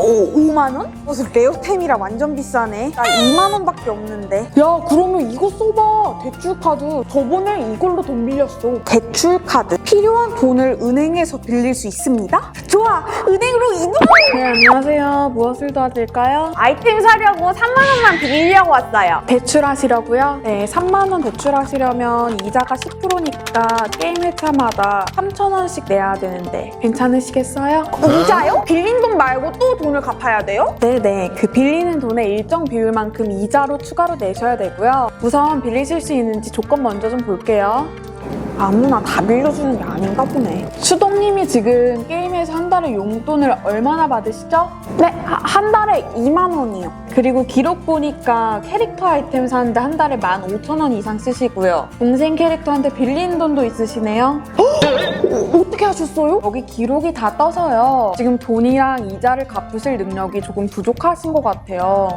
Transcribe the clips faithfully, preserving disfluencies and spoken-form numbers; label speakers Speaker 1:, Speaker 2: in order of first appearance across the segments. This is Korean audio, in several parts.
Speaker 1: 오, 오만 원? 무슨 레어템이라 완전 비싸네. 나 이만 원밖에 없는데.
Speaker 2: 야, 그러면 이거 써봐. 대출카드. 저번에 이걸로 돈 빌렸어.
Speaker 1: 대출카드. 필요한 돈을 은행에서 빌릴 수 있습니다? 좋아! 은행으로 이동!
Speaker 2: 네, 안녕하세요. 무엇을 도와드릴까요?
Speaker 1: 아이템 사려고 삼만 원만 빌리려고 왔어요.
Speaker 2: 대출하시려고요? 네, 삼만 원 대출하시려면 이자가 십 퍼센트니까 게임 회차마다 삼천 원씩 내야 되는데 괜찮으시겠어요?
Speaker 1: 이자요? 빌린 돈 말고 또 돈을 갚아야 돼요?
Speaker 2: 네네, 그 빌리는 돈의 일정 비율만큼 이자로 추가로 내셔야 되고요. 우선 빌리실 수 있는지 조건 먼저 좀 볼게요.
Speaker 1: 아무나 다 빌려주는 게 아닌가 보네.
Speaker 2: 수동님이 지금 게임에서 한 달에 용돈을 얼마나 받으시죠?
Speaker 1: 네, 하- 한 달에 이만 원이요.
Speaker 2: 그리고 기록 보니까 캐릭터 아이템 사는데 한 달에 만 오천 원 이상 쓰시고요. 동생 캐릭터한테 빌린 돈도 있으시네요.
Speaker 1: 어, 어떻게 하셨어요?
Speaker 2: 여기 기록이 다 떠서요. 지금 돈이랑 이자를 갚으실 능력이 조금 부족하신 것 같아요.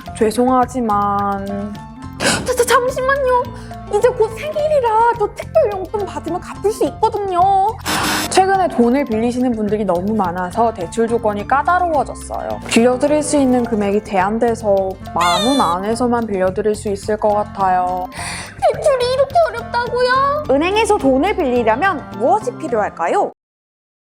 Speaker 2: 죄송하지만
Speaker 1: 자, 자, 잠시만요. 이제 곧 생일이라 저 특별 용돈 받으면 갚을 수 있거든요.
Speaker 2: 최근에 돈을 빌리시는 분들이 너무 많아서 대출 조건이 까다로워졌어요. 빌려드릴 수 있는 금액이 제한돼서 만 원 안에서만 빌려드릴 수 있을 것 같아요.
Speaker 1: 대출이 이렇게 어렵다고요? 은행에서 돈을 빌리려면 무엇이 필요할까요?